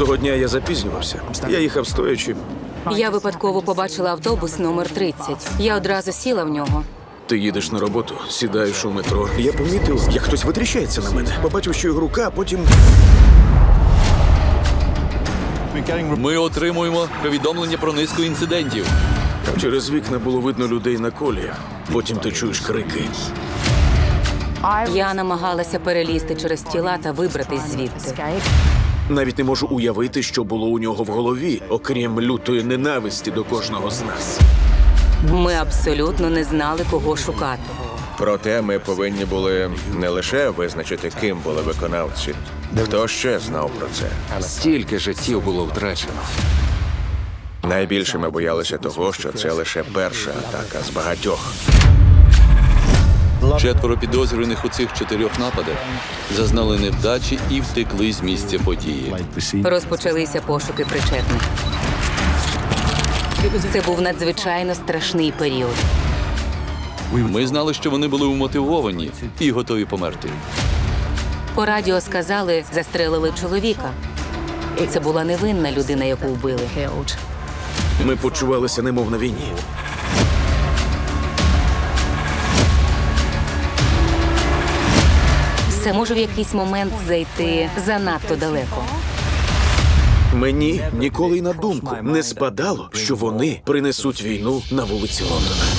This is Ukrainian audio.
Того дня я запізнювався. Я їхав стоячи. Я випадково побачила автобус номер 30. Я одразу сіла в нього. Ти їдеш на роботу, сідаєш у метро. Я помітив, як хтось витріщається на мене. Побачив, що його рука, а потім... Ми отримуємо повідомлення про низку інцидентів. Через вікна було видно людей на коліях. Потім ти чуєш крики. Я намагалася перелізти через тіла та вибратись звідти. Навіть не можу уявити, що було у нього в голові, окрім лютої ненависті до кожного з нас. Ми абсолютно не знали, кого шукати. Проте ми повинні були не лише визначити, ким були виконавці. Хто ще знав про це? Стільки життів було втрачено. Найбільше ми боялися того, що це лише перша атака з багатьох. 4 підозрюваних у цих 4 нападах зазнали невдачі і втекли з місця події. Розпочалися пошуки причетних. Це був надзвичайно страшний період. Ми знали, що вони були умотивовані і готові померти. По радіо сказали, застрелили чоловіка. Це була невинна людина, яку вбили. Ми почувалися немов на війні. Це може в якийсь момент зайти занадто далеко. Мені ніколи й на думку не спадало, що вони принесуть війну на вулиці Лондона.